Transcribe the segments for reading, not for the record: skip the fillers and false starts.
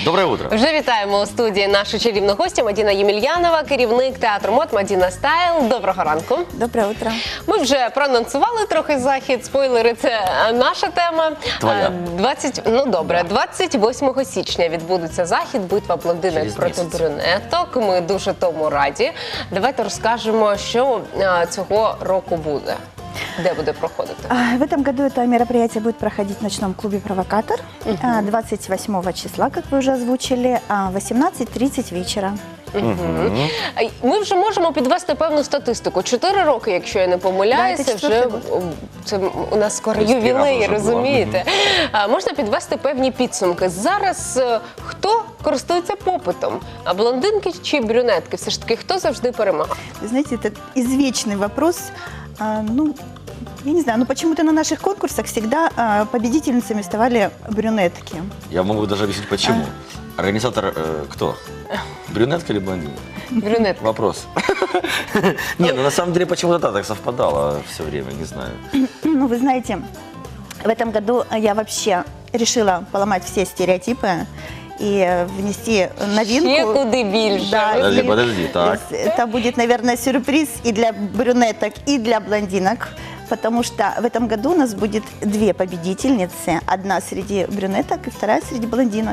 Доброе утро. Вже вітаємо у студії нашу чарівну гостю Мадіна Ємельянова, керівник театру мод Мадіна Стайл. Доброго ранку. Доброе утро. Ми вже проанонсували трохи захід, спойлери – це наша тема. Твоя. 28 січня відбудеться захід «Битва блондинок Через проти місяць. брюнеток». Ми дуже тому раді. Давайте розкажемо, що цього року буде. Где будет проходить? В этом году это мероприятие будет проходить в ночном клубе «Провокатор» 28 числа, как вы уже озвучили, 18:30 вечера. Ми вже можемо підвести певну статистику. 4 роки, якщо я не помиляюся, Да, це вже четвертий це у нас скоро Тобто ювілей, вже було. розумієте? Можна підвести певні підсумки. Зараз хто користується попитом? Блондинки чи брюнетки? Все ж таки, хто завжди перемагає? Вы знаете, это извечный вопрос. Я не знаю, но почему-то на наших конкурсах всегда победительницами вставали брюнетки. Я могу даже объяснить, почему. Организатор кто? Брюнетка или блондинка? Брюнетка. Вопрос. Нет, ну на самом деле почему-то так совпадало все время, не знаю. Ну, вы знаете, в этом году я вообще решила поломать все стереотипы и внести новинку. Ще куди більше. Да, Подожди, так. Это будет, наверное, сюрприз и для брюнеток, и для блондинок, потому что в этом году у нас будет 2 победительницы. Одна среди брюнеток и вторая среди блондинок.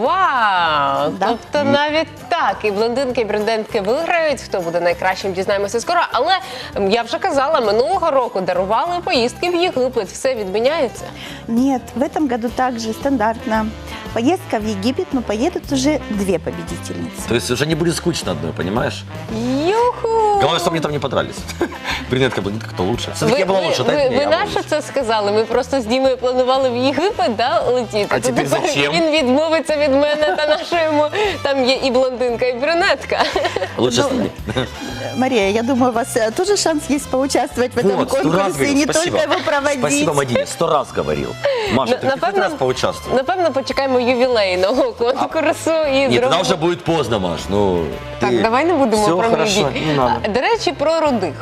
Вау! Да. Тобто навіть так, і блондинки, і брюнетки виграють, хто буде найкращим, дізнаємося скоро. Але я вже казала, минулого року дарували поїздки в Єгипет, все відміняється. Нет, в этом году также стандартно. Поездка в Египет, но поедут уже 2 победительницы. То есть уже не будет скучно одной, понимаешь? Юху! Главное, чтобы мне там не подрались. Брюнетка, блондинка, кто лучше? Все-таки я была лучше, дайте мне, ви я на буду що лучше. це сказали? Ми просто з Дімою планували в Єгипет, да, летіти. А То тепер тепер зачем? Він відмовиться від мене та нашому. Там є і блондинка, і брюнетка. Лучше с ними. Мария, я думаю, у вас тоже шанс есть поучаствовать в этом Вот, 100 раз конкурсе и говорил, не спасибо. только его проводить. Спасибо, Мадине, 100 раз говорил. Маша, ты хоть раз поучаствуй. Напевно, почекаємо ювілейного конкурсу. І Нет, тогда зробимо. уже будет поздно, Маш. Ну, Так, ты- давай не будемо Всё про хорошо, мої не надо. До речі, про рудих.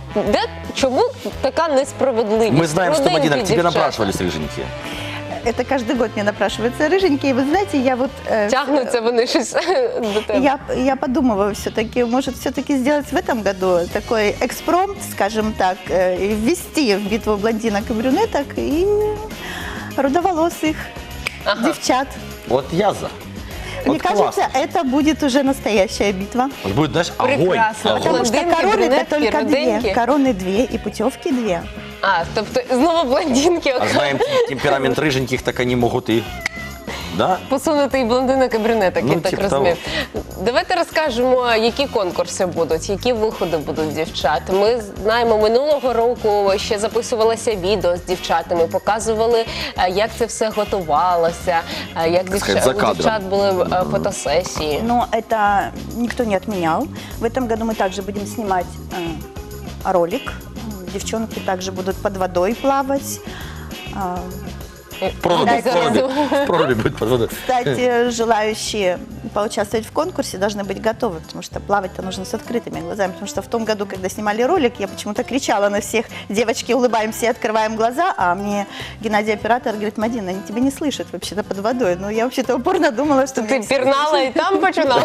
Чому така несправедливість? Мы знаем, что, Руденькі Мадина, к тебе дівчата. напрашивались рыженьки. Это каждый год мне напрашиваются рыженькие. Вы знаете, я вот... Тягнуться вони щось до тебе. Я подумываю все-таки, может, все-таки сделать в этом году такой экспромт, скажем так, и ввести в битву блондинок и брюнеток и рудоволосых девчат. Вот я за. Мне Вот кажется, классно. это будет уже настоящая битва. Вот будет, знаешь, огонь. Прекрасно. огонь. Потому что Блондинки, короны это брюнетки, только 2. руденьки. Короны 2 и путевки 2. Тобто знову блондинки А знаем темперамент рыженьких, так они могут и... Да? посунути і блондинок, і брюнеток, Ну, я так типу розумію. Давайте розкажемо, які конкурси будуть, які виходи будуть дівчат. Ми знаємо, минулого року ще записувалося відео з дівчатами, показували, як це все готувалося, як сказать, за у кадром. дівчат були фотосесії. Но это никто не отменял. В этом году мы также будем снимать ролик. Девчонки также будут под водой плавать. В проруби будет под водой. Кстати, желающие поучаствовать в конкурсе должны быть готовы, потому что плавать-то нужно с открытыми глазами. Потому что в том году, когда снимали ролик, я почему-то кричала на всех: девочки, улыбаемся и открываем глаза, а мне Геннадий, оператор, говорит: Мадина, они тебя не слышат вообще-то под водой. Ну, я вообще-то упорно думала, что... Ти пірнала і там починала?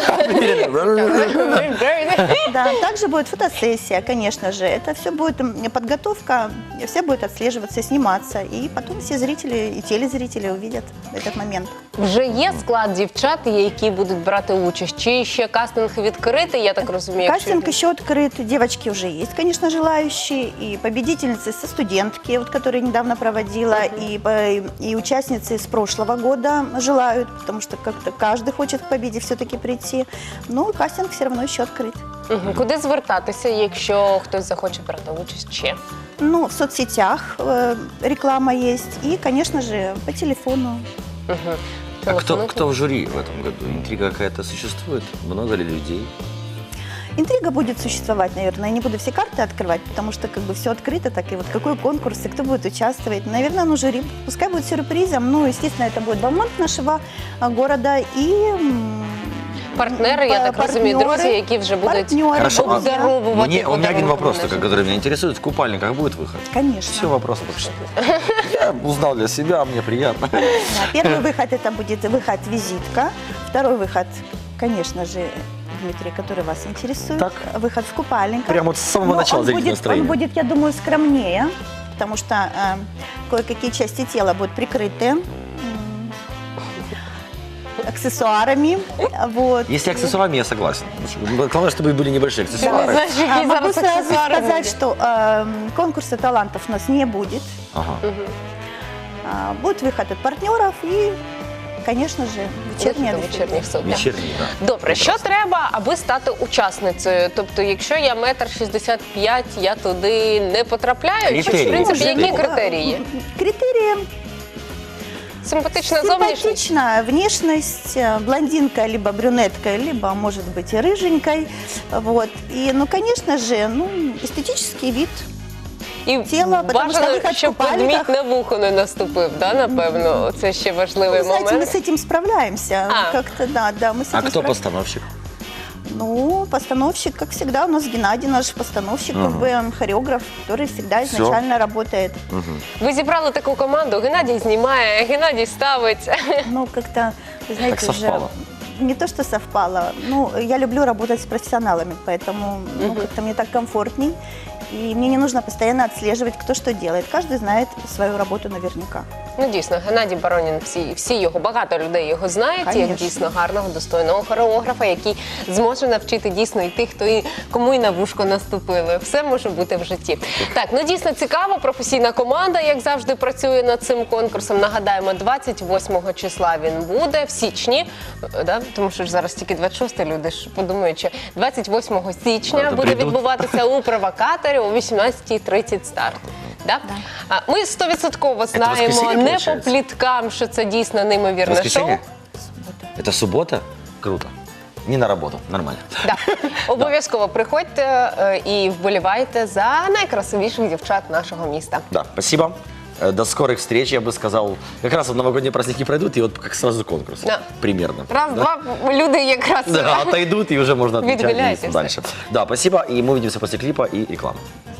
Да, также будет фотосессия, конечно же. Это все будет подготовка, все будет отслеживаться, сниматься. И потом все зрители и телезрители увидят этот момент. Вже є склад дівчат, які будуть брати участь? Чи ще кастинг відкритий, я так розумію? Кастинг еще открыт, девочки уже есть, конечно, желающие, и победительницы со студентки, вот, которые недавно проводила, и участницы с прошлого года желают, потому что как-то каждый хочет к победе все-таки прийти. Но кастинг все равно еще открыт. Куди звертатися, якщо хтось захоче брати участь ще? Ну, в соцсетях реклама есть, и, конечно же, по телефону. А кто в жюри в этом году? Интрига какая-то существует? Много ли людей? Интрига будет существовать, наверное. Я не буду все карты открывать, потому что как бы все открыто, так и вот какой конкурс и кто будет участвовать. Наверное, ну, жюри пускай будет сюрпризом. Ну, естественно, это будет Баумант нашего города и... Партнери, я так розумію, друзі, які вже будуть Хорошо, а обдаровувати. у меня один вопрос, подарунками который меня интересует. В купальниках будет выход? Конечно. Все, вопросы больше. Я узнал для себя, мне приятно. Да, первый выход это будет выход-визитка. Второй выход, конечно же, Дмитрий, который вас интересует. Так. Выход в купальниках. Прямо вот с самого Но начала он зайдите будет, настроение. он будет, я думаю, скромнее, потому что кое-какие части тела будут прикрыты аксессуарами. Вот. Если аксессуарами, я согласен. Главное, чтобы были небольшие аксессуары. Знаєш, які Могу зараз сразу аксесуари сказать, будуть? что конкурса талантов у нас не будет. Ага. Будет выход от партнеров и, конечно же, вечерняя Вихід у вечірніх сукнях. Вечерний, да. Добре, що треба, аби стати учасницею? Тобто, якщо я 1,65 м, я туди не потрапляю? Чи, в Критерії. принципі, які Критерії. критерії? Критерии Симпатична зовнішність? симпатичная внешность, блондинка, либо брюнетка, либо, может быть, и рыженькой. Вот. И, ну, конечно же, ну, эстетический вид. І тіла, потому що бажано, вихід в щоб купальниках. ведмідь на вухо не наступив, да, напевно? Це ще важливий Вы знаете, мы момент. с этим справляемся. А. Как-то, да, мы с А этим кто справляемся. постановщик? Ну, постановщик, как всегда, у нас Геннадий, наш постановщик, как бы хореограф, который всегда Всё. изначально работает. Ви зібрали таку команду, Геннадій знімає, Геннадій ставить. Ну, как-то, вы знаете, Так уже совпало. не то, что совпало. Ну, я люблю работать с профессионалами, поэтому ну, как-то мне так комфортней. И мне не нужно постоянно отслеживать, кто что делает. Каждый знает свою работу наверняка. Ну, дійсно, Геннадій Баронін, всі його, багато людей його знають, як Конечно. дійсно гарного, достойного хореографа, який зможе навчити дійсно і тих, кому і на вушко наступили. Все може бути в житті. Так, ну дійсно цікаво, професійна команда, як завжди, працює над цим конкурсом. Нагадаємо, 28 числа він буде, в січні, да? Тому що ж зараз тільки 26 люди ж подумають, що 28 січня Да, то буде прийдуть. відбуватися у провокаторі о 18:30 старт. Да? А ми 100% знаємо, воскресенье, не по получается? пліткам, що це дійсно неймовірне шоу. Воскресенье? Это суббота? Круто. Не на работу, нормально. Да. Обов'язково приходьте і вболівайте за найкрасивіших дівчат нашого міста. Да, спасибо. До скорых встреч, я бы сказал. Как раз вот новогодние праздники пройдут, и вот как сразу конкурс. Да. Примерно. Раз, Да? два, люди якраз Да, отойдут, и уже можно отмечать Відгуляйтеся. двигаться дальше. Да, спасибо, и мы увидимся после клипа и рекламы.